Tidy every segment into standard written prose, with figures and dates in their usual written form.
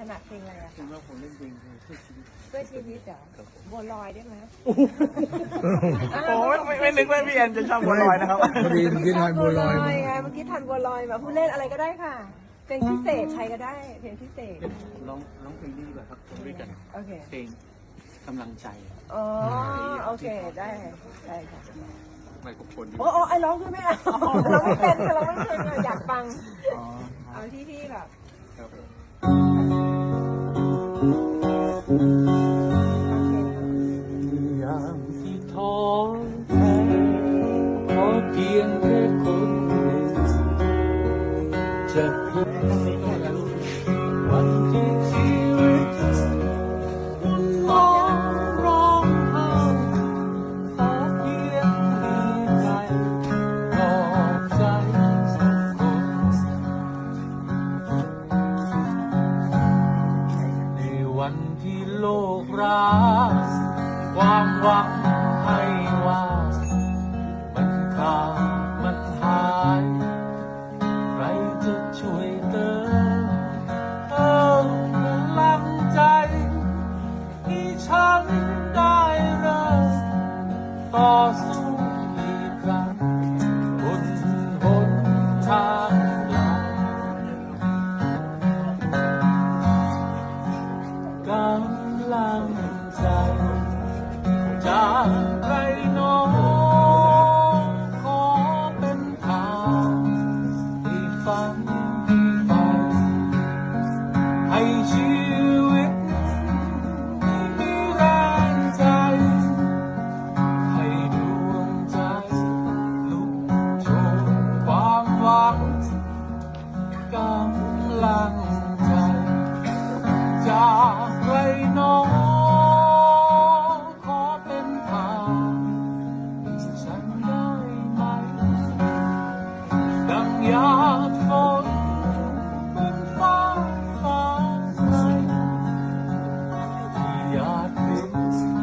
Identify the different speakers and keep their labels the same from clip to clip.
Speaker 1: นาดเพลงอะไรอะ
Speaker 2: จริงว่าผมเล่นเพลงเพื่อชีวิต
Speaker 1: เพื่อชีวิตเหรอบัวลอยได้ไหม
Speaker 2: โอ้ไม่นึกว่าพี่แอนจะชอบบัวลอยนะครับ
Speaker 3: พอดีเมื่อกี้ทานบัวลอยมา
Speaker 1: ไงเมื่อกี้ทันบัวลอยมาผู้เล่นอะไรก็ได้ค่ะเพลงพิเศษใครก็ได้เพลงพิเศษ
Speaker 2: ร้องเพลงนี้ดีกว่าครับด้วยกัน
Speaker 1: โอเค
Speaker 2: เพลงกำลังใจ
Speaker 1: อ๋อโอเคได้ได้ค่ะ
Speaker 2: ไมโครโฟน
Speaker 1: โอ้ไอ้ร้องด้วยไหมอ่ะเราไม่เป็นเราไม่เป็นอยากฟัง
Speaker 2: อ๋อ
Speaker 1: เอาที่พี่แบบ
Speaker 2: ครับ
Speaker 4: ยามที่ท้อแท้ขอเพียงแค่คนหนึ่งจะพูดวันที่ชีวิตวุ่นวายร้องไห้ขอเพียงมีใจปลอบใจสักคนในวันที่โลกร้างความหวังให้ว่ามันขาดมันหายใครจะช่วยเติมพลังใจที่ฉันได้เริ่มต่อสู้อีกครั้งบนหนทางใหม่กำลังใจจากใครหนอขอเป็นทางที่ฝันที่ไปให้ชีวิตมีแรงใจให้ดวงใจลุกโชนความหวังกำลังใจจากใครหนอขอเป็นทางที่ฉันได้ไหมดังหยาดฝนบนฟ้าใสที่หยาดริน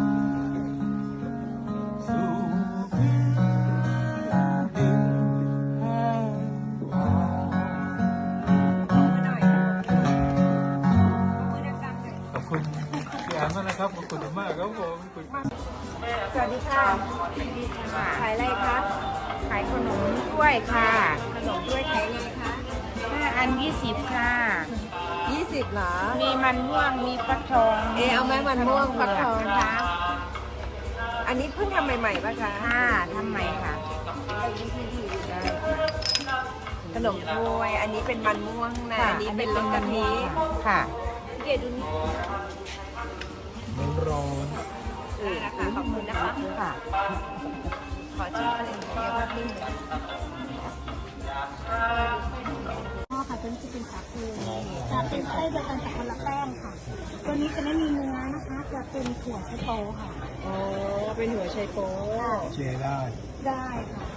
Speaker 4: สู่พื้นดินแห้งผากขอบคุณพี่แอนมากนะครับขอบคุณมากครับผม
Speaker 1: สวัสดีค่ะขายอะไรคะ
Speaker 5: ขายขนมด้วยค่ะ
Speaker 1: ขนมด้วยขายไงคะ
Speaker 5: 5 อัน 20 ค่ะ
Speaker 1: 20เหรอ
Speaker 5: มีมันม่วง มีฟักทอง
Speaker 1: เอาไหมมันม่วงฟักทอง
Speaker 5: นะคะ
Speaker 1: อันนี้เพิ่งทำใหม่ๆป่ะคะ
Speaker 5: ค่ะทำไมค่ะ
Speaker 1: ขนมกล้วยอันนี้เป็นมันม่วงนะอันนี้เป็นรสกะทิ
Speaker 5: ค่ะ
Speaker 1: เดี๋ยวดูนี่
Speaker 3: มันร้อน
Speaker 1: นะคะขอบคุณนะคะ
Speaker 5: ค่ะ
Speaker 1: ขอชิมอะไรเดี๋ยวแป๊บนึง
Speaker 6: อ๋อค่ะตัวนี้จะเป็นสาคูจะเป็นไส้เดียวกันแต่คนละแป้งค่ะ ตัวนี้จะไม่มีเนื้อนะคะ จะเป็นถั่วไชโป๊ค่ะ
Speaker 1: อ๋อเป็นหัวไชโป๊
Speaker 3: เชียร์ได้
Speaker 6: ได้ค่ะ